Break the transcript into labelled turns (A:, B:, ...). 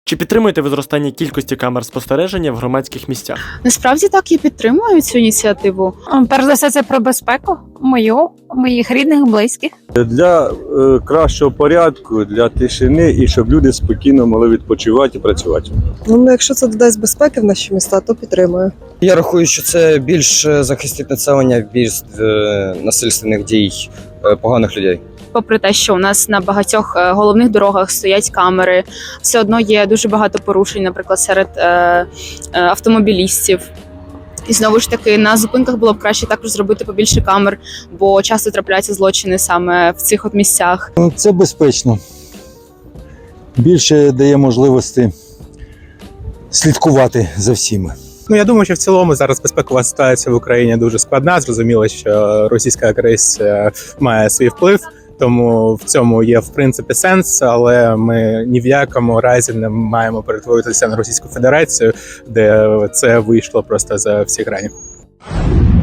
A: Чи підтримуєте ви зростання кількості камер спостереження в громадських місцях?
B: Насправді так, я підтримую цю ініціативу.
C: Перш за все, це про безпеку моїх рідних, близьких.
D: Для кращого порядку, для тишини і щоб люди спокійно могли відпочивати і працювати.
E: Ну, якщо це додасть безпеки в наші міста, то підтримую.
F: Я рахую, що це більш захистить населення від насильственних дій поганих людей.
B: Попри те, що у нас на багатьох головних дорогах стоять камери, все одно є дуже багато порушень, наприклад, серед автомобілістів. І знову ж таки, на зупинках було б краще також зробити побільше камер, бо часто трапляються злочини саме в цих от місцях.
G: Це безпечно. Більше дає можливості слідкувати за всіми.
H: Я думаю, що в цілому зараз безпекова ситуація в Україні дуже складна. Зрозуміло, що російська агресія має свій вплив, тому в цьому є в принципі сенс, але ми ні в якому разі не маємо перетворитися на Російську Федерацію, де це вийшло просто за всі грані.